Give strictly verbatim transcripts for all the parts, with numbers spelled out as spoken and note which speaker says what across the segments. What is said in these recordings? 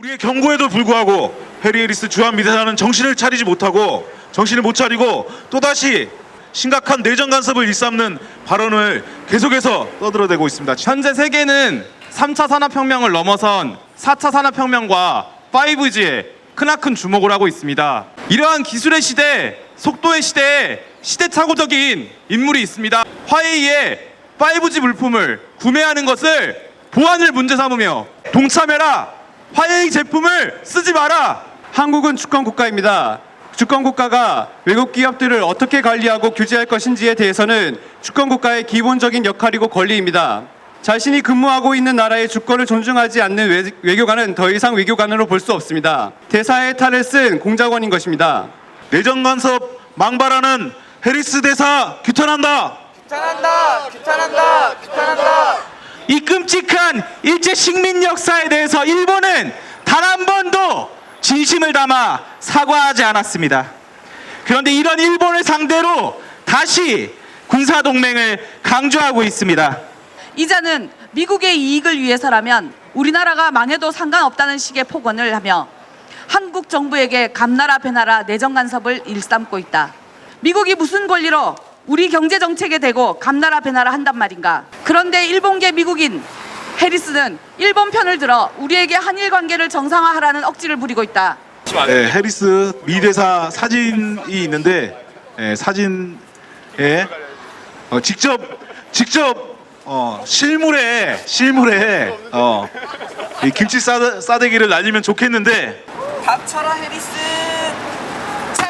Speaker 1: 우리의 경고에도 불구하고 해리 해리스 주한 미대사는 정신을 차리지 못하고 정신을 못 차리고 또다시 심각한 내정 간섭을 일삼는 발언을 계속해서 떠들어대고 있습니다.
Speaker 2: 현재 세계는 삼 차 산업혁명을 넘어선 사 차 산업혁명과 파이브지에 크나큰 주목을 하고 있습니다. 이러한 기술의 시대, 속도의 시대에 시대착오적인 인물이 있습니다. 화웨이의 파이브지 물품을 구매하는 것을 보안을 문제 삼으며 동참해라! 화웨이 제품을 쓰지 마라!
Speaker 3: 한국은 주권 국가입니다. 주권 국가가 외국 기업들을 어떻게 관리하고 규제할 것인지에 대해서는 주권 국가의 기본적인 역할이고 권리입니다. 자신이 근무하고 있는 나라의 주권을 존중하지 않는 외, 외교관은 더 이상 외교관으로 볼 수 없습니다. 대사의 탈을 쓴 공작원인 것입니다.
Speaker 1: 내정 간섭 망발하는 해리스 대사 규탄한다.
Speaker 4: 규탄한다! 규탄한다! 규탄한다!
Speaker 5: 이 끔찍한 일제 식민 역사에 대해서 일본은 단 한 번도 진심을 담아 사과하지 않았습니다. 그런데 이런 일본을 상대로 다시 군사동맹을 강조하고 있습니다.
Speaker 6: 이자는 미국의 이익을 위해서라면 우리나라가 망해도 상관없다는 식의 폭언을 하며 한국 정부에게 감나라 배나라 내정 간섭을 일삼고 있다. 미국이 무슨 권리로 우리 경제 정책에 대고 감나라 배나라 한단 말인가? 그런데 일본계 미국인 해리스는 일본 편을 들어 우리에게 한일 관계를 정상화하라는 억지를 부리고 있다.
Speaker 1: 네, 해리스 미대사 사진이 있는데 예, 사진에 어, 직접 직접 어, 실물에 실물에 어, 이 김치 싸대, 싸대기를 날리면 좋겠는데
Speaker 4: 닥쳐라 해리스! 찹!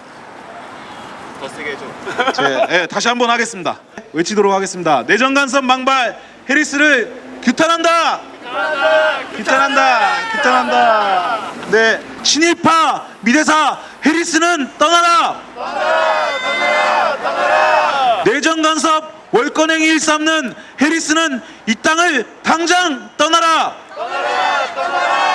Speaker 1: 제, 예, 다시 한번 하겠습니다. 외치도록 하겠습니다. 내정 간섭 망발 해리스를 규탄한다. 규탄한다. 규탄한다. 규탄한다. 네, 친일파 미대사 해리스는 떠나라. 떠나라. 떠나라. 떠나라. 내정 간섭 월권행위 일삼는 해리스는 이 땅을 당장 떠나라. 떠나라. 떠나라.